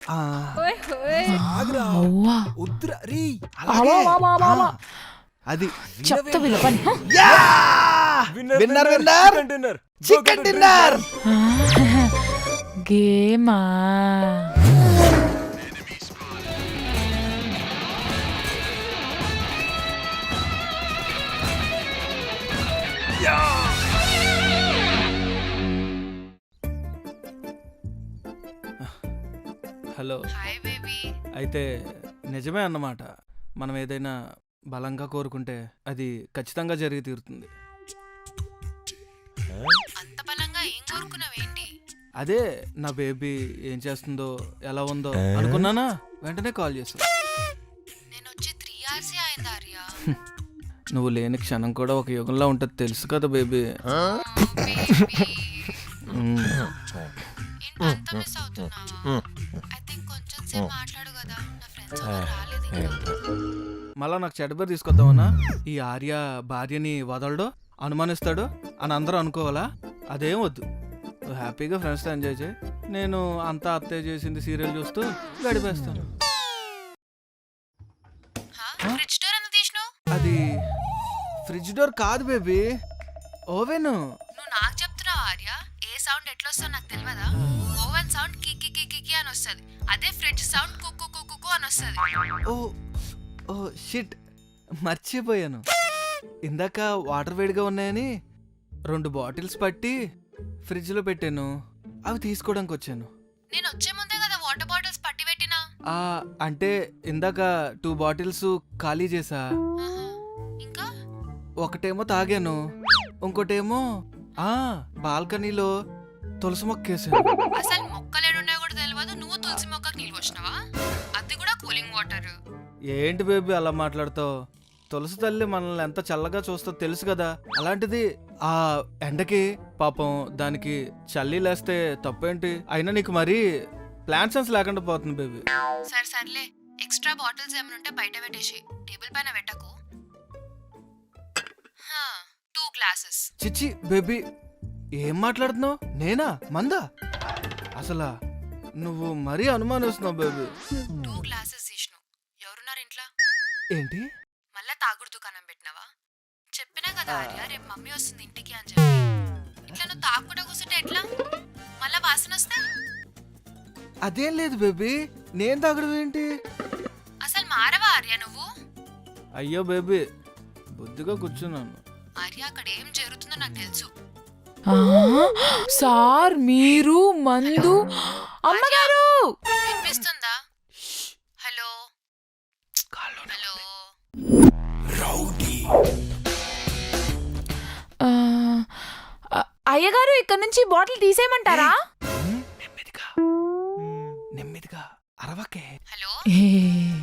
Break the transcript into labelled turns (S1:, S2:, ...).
S1: అది
S2: చెప్తా విలపని
S1: చికెన్ డిన్నర్
S2: గేమా.
S1: హలో. అయితే నిజమే అన్నమాట, మనం ఏదైనా బలంగా కోరుకుంటే అది ఖచ్చితంగా జరిగి తీరుతుంది. అదే నా బేబీ ఏం చేస్తుందో ఎలా ఉందో అనుకున్నానా, వెంటనే కాల్ చేశాను. నువ్వు లేని క్షణం కూడా ఒక యుగంలో ఉంటుంది తెలుసు కదా బేబీ. మళ్ళా నాకు చెడ్డబేరు తీసుకొద్దామన్నా. ఈ ఆర్య భార్యని వదలడు, అనుమానిస్తాడు అని అందరూ అనుకోవాలా? అదేం వద్దు. హ్యాపీగా ఫ్రెండ్స్తో ఎంజాయ్ చేయి. నేను అంతా అత్తయ్య చేసింది సీరియల్ చూస్తూ గడిపేస్తాను. అది ఫ్రిడ్జ్ డోర్ కాదు బేబీ, ఓవెన్.
S3: నువ్వు నాకు చెప్తున్నావు ఆర్య, ఏ సౌండ్ ఎట్లా వస్తుందో నాకు తెలియదా? ఓవెన్ సౌండ్ కికి కికి అని వస్తుంది, అదే ఫ్రిడ్జ్ సౌండ్ కుక్కు కుక్కు అని వస్తుంది.
S1: ఓ ఓ షిట్, మర్చిపోయాను. ఇందాక వాటర్ వేడిగా ఉన్నాయని 2 బాటిల్స్ పట్టి ఫ్రిడ్జ్లో పెట్టాను, అవి తీసుకోవడానికి వచ్చాను.
S3: నేను వచ్చే ముందే కదా వాటర్ బాటిల్స్ పట్టి పెట్టినా.
S1: అంటే ఇందాక 2 బాటిల్స్ ఖాళీ చేసా.
S3: ఇంకా
S1: ఒకటేమో తాగాను, ఇంకోటేమో బాల్కనీలో తులసి మొక్కేసాను.
S3: అసలు మొక్కలేడున్నాయో కూడా తెలియదు, నువ్వు తులసి మొక్కకు నీళ్ళు వచ్చినావా? అది కూడా కూలింగ్ వాటర్.
S1: ఏంటి బేబీ అలా మాట్లాడుతావు? తులసి తల్లి మనల్ని ఎంత చల్లగా చూస్తో తెలుసు కదా. అలాంటిది ఆ ఎండకి పాపం దానికి చల్లి లేస్తే తప్పేంటి? అయినా నీకు మరీ ప్లాన్ సెన్స్ లేకుండా పోతుంది బేబీ.
S3: సర్లే, ఎక్స్ట్రా బాటిల్స్ ఏమైనా ఉంటే బయట పెట్టేసి టేబుల్ పైన పెట్టకు. 2 గ్లాసెస్.
S1: చిచ్చి బేబీ, ఏం మాట్లాడుతున్నావు? నేనా మందా? అసలా నువ్వు మరీ అనుమానిస్తున్నావు బేబీ.
S3: 2 గ్లాసెస్ తీసినావు. ఎవరున్నారు ఇంట్లో?
S1: ఏంటి
S3: మళ్ళా తాగుడు దుకాణం పెట్టినావా? చెప్పినా కదా ఆర్య, రేపు మమ్మీ వస్తుంది ఇంటికి అని చెప్పి. ఇట్లా నువ్వు తాగుకుండా కూర్చుంటే ఎట్లా? మళ్ళా వాసన వస్తే?
S1: అదేం లేదు బేబీ, నేను తాగడం ఏంటి?
S3: అసలు మారవా ఆర్య నువ్వు?
S1: అయ్యో బేబీ, బుద్ధిగా కూర్చున్నాను.
S3: ఆర్య, అక్కడ ఏం జరుగుతుందో నాకు తెలుసు.
S2: సార్ మీరు మందు. అమ్మగారు
S3: వినిపిస్తుందా? Hello hello.
S2: అయ్యగారు, ఇక్కడ నుంచి బాటిల్ తీసేయమంటారా?
S1: నెమ్మదిగా అరవకే.
S3: హలో.